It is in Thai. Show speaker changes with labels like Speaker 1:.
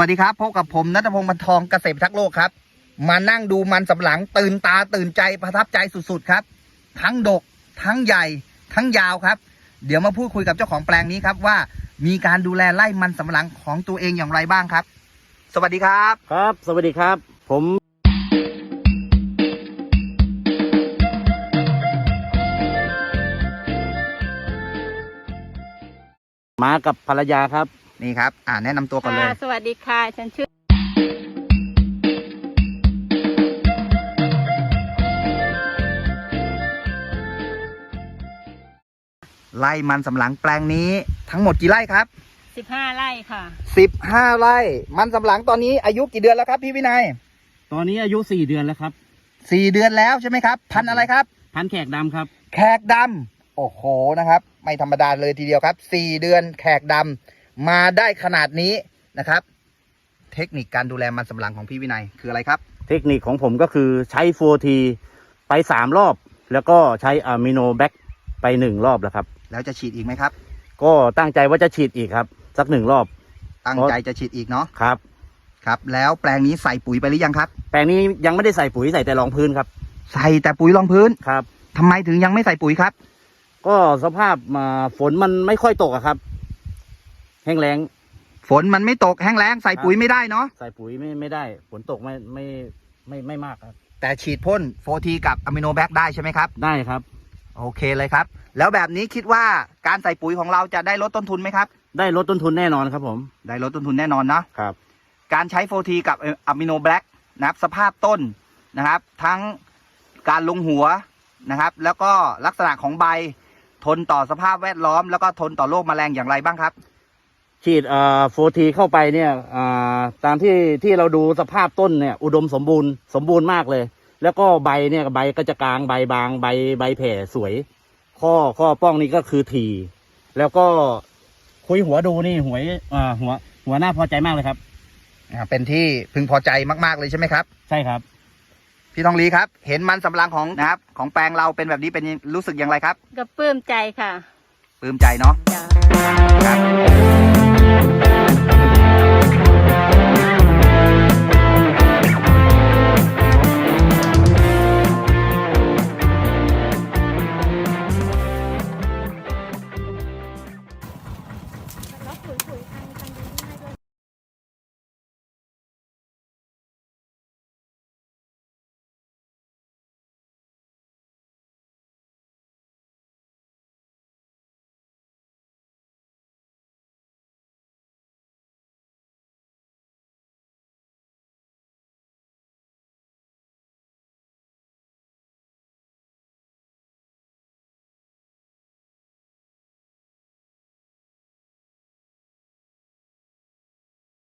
Speaker 1: วัสดีครับพบกับผมณัฐพงศ์ บรรทองเกษตรพิทักษ์โลกครับมานั่งดูมันสำปะหลังตื่นตาตื่นใจประทับใจสุดๆครับทั้งดกทั้งใหญ่ทั้งยาวครับเดี๋ยวมาพูดคุยกับเจ้าของแปลงนี้ครับว่ามีการดูแลไร่มันสำปะหลังของตัวเองอย่างไรบ้างครับสวัสดีครับ
Speaker 2: ครับสวัสดีครับผมมากับภรรยาครับ
Speaker 1: นี่ครับแนะนำตัวก่อนเลย
Speaker 3: สวัสดีค่ะฉันชื่อ
Speaker 1: ไร่มันสำปะหลังแปลงนี้ทั้งหมดกี่ไร่ครับ
Speaker 3: 15 ไร่ค่ะ
Speaker 1: 15ไร่มันสำปะหลังตอนนี้อายุกี่เดือนแล้วครับพี่วินัย
Speaker 2: ตอนนี้อายุ4 เดือนแล้วครับ
Speaker 1: 4 เดือนแล้วใช่ไหมครับพันธุ์อะไรครับ
Speaker 2: พันธุ์แขกดำครับ
Speaker 1: แขกดำโอ้โหนะครับไม่ธรรมดาเลยทีเดียวครับ4 เดือนแขกดำมาได้ขนาดนี้นะครับเทคนิคการดูแลมันสำปะหลังของพี่วินัยคืออะไรครับ
Speaker 2: เทคนิคของผมก็คือใช้ 4T ไป3 รอบแล้วก็ใช้อะมิโนแบคไป1 รอบแล้วครับ
Speaker 1: แล้วจะฉีดอีกไหมครับ
Speaker 2: ก็ตั้งใจว่าจะฉีดอีกครับสัก1 รอบ
Speaker 1: ตั้งใจจะฉีดอีกเนาะ
Speaker 2: ครับ
Speaker 1: ครับแล้วแปลงนี้ใส่ปุ๋ยไปหรือยังครับ
Speaker 2: แปลงนี้ยังไม่ได้ใส่ปุ๋ยใส่แต่รองพื้นครับ
Speaker 1: ใส่แต่ปุ๋ยรองพื้น
Speaker 2: ครับ
Speaker 1: ทำไมถึงยังไม่ใส่ปุ๋ยครับ
Speaker 2: ก็สภาพฝนมันไม่ค่อยตกอะครับแห้งแล้ง
Speaker 1: ฝนมันไม่ตกแห้งแล้งใส่ปุ๋ยไม่ได้เนาะ
Speaker 2: ใส่ปุ๋ยไม่ได้ฝนตกไม่มากครับ
Speaker 1: แต่ฉีดพ่น4Tกับอะมิโนแบคได้ใช่ไหมครับ
Speaker 2: ได้ครับ
Speaker 1: โอเคเลยครับแล้วแบบนี้คิดว่าการใส่ปุ๋ยของเราจะได้ลดต้นทุนไหมครับ
Speaker 2: ได้ลดต้นทุนแน่นอนครับผม
Speaker 1: ได้ลดต้นทุนแน่นอนนะครับการใช้4Tกับอะมิโนแบคนะครับสภาพต้นนะครับทั้งการลงหัวนะครับแล้วก็ลักษณะของใบทนต่อสภาพแวดล้อมแล้วก็ทนต่อโรคแมลงอย่างไรบ้างครับ
Speaker 2: ฉีด4Tเข้าไปเนี่ยตามที่เราดูสภาพต้นเนี่ยอุดมสมบูรณ์มากเลยแล้วก็ใบเนี่ยใบก็จะกลางใบบางใบแผ่สวยข้อป้องนี่ก็คือถี่แล้วก็คุยหัวดูนี่หัวหน้าพอใจมากเลยครับ
Speaker 1: เป็นที่พึงพอใจมากๆเลยใช่ไหมครับ
Speaker 2: ใช่ครับ
Speaker 1: พี่ทองลีครับเห็นมันสำปะหลังของนะครับของแปลงเราเป็นแบบนี้เป็นรู้สึกอย่างไรครับ
Speaker 3: ก็ปลื้มใจค่ะ
Speaker 1: ปลื้มใจเนาะครับ